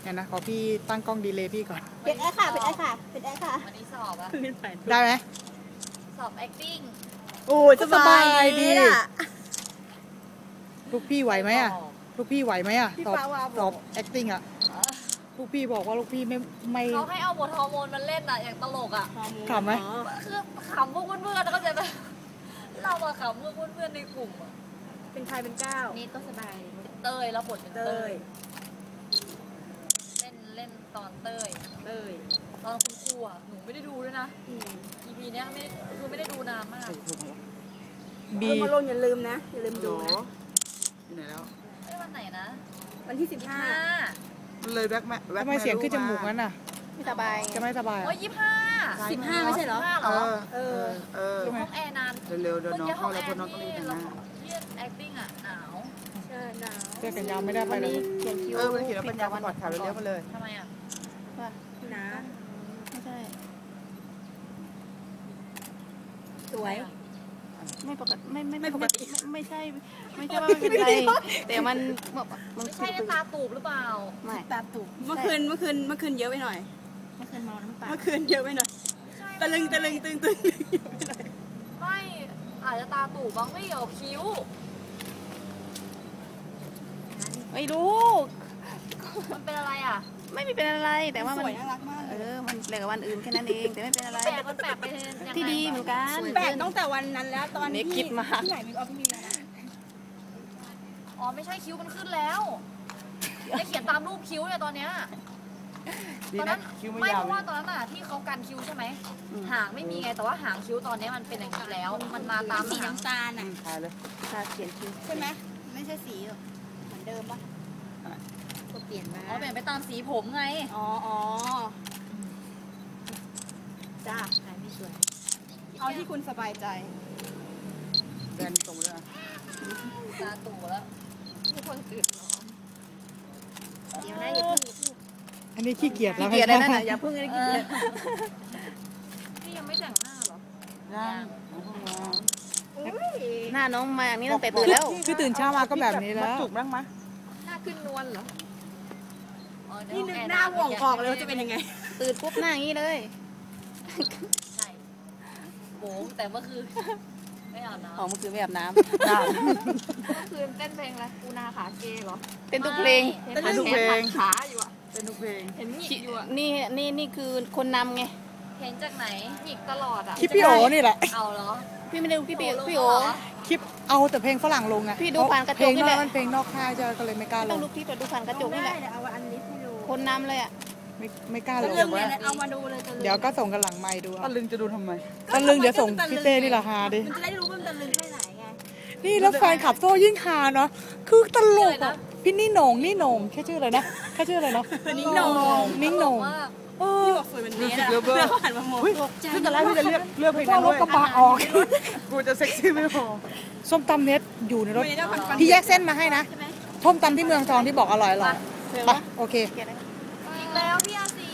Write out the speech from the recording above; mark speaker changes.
Speaker 1: เนี่ยนะขอพี่ตั้งกล้องดีเลย์พี่ก่อน
Speaker 2: ปิดแอร์ค่ะปิดแอร์ค่ะปิดแอร์ค่ะ
Speaker 3: วันนี้สอบอะ
Speaker 1: ได้ไหม
Speaker 3: สอบ acting
Speaker 2: โอ้ยสบายดี
Speaker 1: ลูกพี่ไหวไหมอ่ะลูกพี่ไหวไหมอ่ะสอบ acting อ่ะลูกพี่บอกว่าลูกพี่ไม่
Speaker 3: เขาให้เอาบทฮอร์โมนมาเล่นอะอย่างตลกอะ
Speaker 1: ขำไหม
Speaker 3: คือขำพวกเพื่อนๆเข้าใจไหมเราอะขำพวกเพื่อนๆในกลุ่มอะ
Speaker 2: เป็นใครเป็นก้าว
Speaker 3: นี่ก็สบายเต้ยแล้วบทเป็นเต้ยเล่นตอนเต้ยตอนคุณครูอะหนูไม่ได้ดูด้วยนะ EP เนี้ยไม่ได้ดูนานมาก
Speaker 2: บีมาลงอย่าลืมนะอย่าลืมดูนะ
Speaker 1: อยู่ไหนแล้ว
Speaker 3: วันไหนนะ
Speaker 2: วันที่15
Speaker 1: มันเลยแบ็คทำไมเสียงขึ้นจมูกงั้นน่ะ
Speaker 2: ไม่สบาย
Speaker 1: จะไม่สบาย
Speaker 3: โอ้ย15
Speaker 2: ไม่ใช่เหรอ
Speaker 3: ห้องแอร์นาน
Speaker 1: เร็วๆเดี๋ยวน้องเข้าแล้วพอน้องต้องรีบนะ
Speaker 3: ที่ acting อ่ะหนาว
Speaker 2: ใช่หนาว
Speaker 1: เสื้อแขนยาวไม่ได้ไปเลย
Speaker 2: เขียนคิว
Speaker 1: มันเขียนแล้วเป็นยาวก่อนขาเลี้ยวมาเลย
Speaker 3: ทำไมอ่ะ
Speaker 2: ว่าหนาไม่ใช่สวยไม่ปกติไม่ปกติไม่ใช่ว่ามันเป็นไรแต่มัน
Speaker 3: ไม่ใช่ตาตูบหรือเปล่า
Speaker 2: ไม่ตาตูบเมื่อคืนเยอะไปหน่อยเมื่อคืนเมาน้ำตาเมื่อคืนเยอะไปหน่อยตะลึงตึง
Speaker 3: ไม่อาจจะตาตูบบ้างไม่เกี่ยวคิ้ว
Speaker 2: ไม่รู้
Speaker 3: มันเป็นอะไรอ่ะ
Speaker 2: ไม่มีเป็นอะไรแต่ว่ามันน่ารักมากมันแปลกกับวันอื่นแค่นั้นเองแต่ไม่เป็นอะไร
Speaker 3: แปลกมันแปลกไป
Speaker 2: ที่ดีเหมือนกันแปลกตั้งแต่วันนั้นแล้วตอนนี้คิดมาที่ไหนมีออฟมีนะ
Speaker 3: อ๋อไม่ใช่คิ้วมันขึ้นแล้วได้เขียนตามรูปคิ้วเนี่ยตอนเนี้ยตอนนั้นไม่เพราะว่าตอนนั้นอ่ะที่เขากันคิ้วใช่ไหมหางไม่มีไงแต่ว่าหางคิ้วตอนนี้มันเป็นอย่างนี้แล้วมันมาตาม
Speaker 2: สีน้ำตาลอ่ะ
Speaker 1: ทาเลย
Speaker 2: ทาเขียนคิ้วใช่ไหมไม่ใช่สีเหมือนเดิมปะก็เปลี่ยนมา
Speaker 3: เปลี่ยนไปตามสีผมไง
Speaker 2: จ้าไม่สวยเอาที่คุณสบายใจ
Speaker 1: แบนตรงเลย
Speaker 3: ตาตู่แล้วทุกคนตื่นนอน
Speaker 2: เดี๋ยวนะอย่าพึ่ง
Speaker 1: อันนี้ขี้เกียจแล้ว
Speaker 2: ขี้เกียจเลยนะอย่าพึ่งเลยขี้เกียจ
Speaker 3: นี่ยังไม่แต่งหน้าหรอ
Speaker 2: หน้าน้องมาอย่างนี้ตั้งแต่ตื่นแล้ว
Speaker 1: คือตื่นเช้ามาก็แบบนี้แล้ว
Speaker 3: จุกบ้างไหมหน้าขึ้นนวลเหรอ
Speaker 2: นี่นึกหน้าห่วงออกเลยว่าจะเป็นยังไงตื่นปุ๊บหน้าอย่างนี้เลย
Speaker 3: ใช่โบ้แต่เมื่อคืนไม่อาบน้
Speaker 2: ำเมื่อคืนไม่อาบน้ำ
Speaker 3: เมื่อคืนเต้นเพลงอะไรกูนาขาเกย์เหรอ
Speaker 2: เต้นทุกเพลง
Speaker 3: ขาอยู่อ่ะ
Speaker 1: เต้นทุกเพลง
Speaker 3: เห็นหงิกอยู่อ่ะ
Speaker 2: นี่คือคนนำไง
Speaker 3: เห็นจากไหนหงิกตลอดอ่ะ
Speaker 1: คลิปพี่โอนี่แหละ
Speaker 3: เอาเหรอ
Speaker 2: พี่ไม่ได้ดูคลิปพี่โอ
Speaker 1: คลิปเอาแต่เพลงฝรั่งลงไง
Speaker 2: พี่ดูผ่านกระจกนี่แหละ
Speaker 1: เพลงนอกค่ายจะก็เลยไม่กล้าลง
Speaker 2: ต้องดูคลิปแต่ดูผ่านกระจกนี่แหละเอาอันนี้ให้ดูคนนำเลยอ่ะ
Speaker 1: ไม่กล้าเลย
Speaker 2: เอามาดูเลย
Speaker 1: เดี๋ยวก็ส่งกันหลังไมค์ดู
Speaker 4: ตะลึงจะดูทำไม
Speaker 1: ตะลึงเดี๋ยวส่งพี่เต้นี่ราคาดิ
Speaker 2: มันจะได้รู้ว่ามันตะลึงแค่ไหนไง
Speaker 1: นี่แล้วแฟนขับโซ่ยิ่งฮาเนาะคือตลกอ่ะพี่นี่โหน่งแค่ชื่ออะไรนะแค่ชื่ออะไรเนาะ
Speaker 2: นิ่งโหน่งพี่บอกสวยเหมือนนี้นะแล้วหันมามอง
Speaker 1: คือตอนแรกพี่จะเลือกเพลงนั้นด้วยก็ปาออกกูจะเซ็กซี่ไม่พอส้มตำเน็ตอยู่ในรถพี่แยกเส้นมาให้นะส้มตำที่เมืองทองที่บอกอร่อยไปโอเค
Speaker 3: อีกแล้วพี่อาซี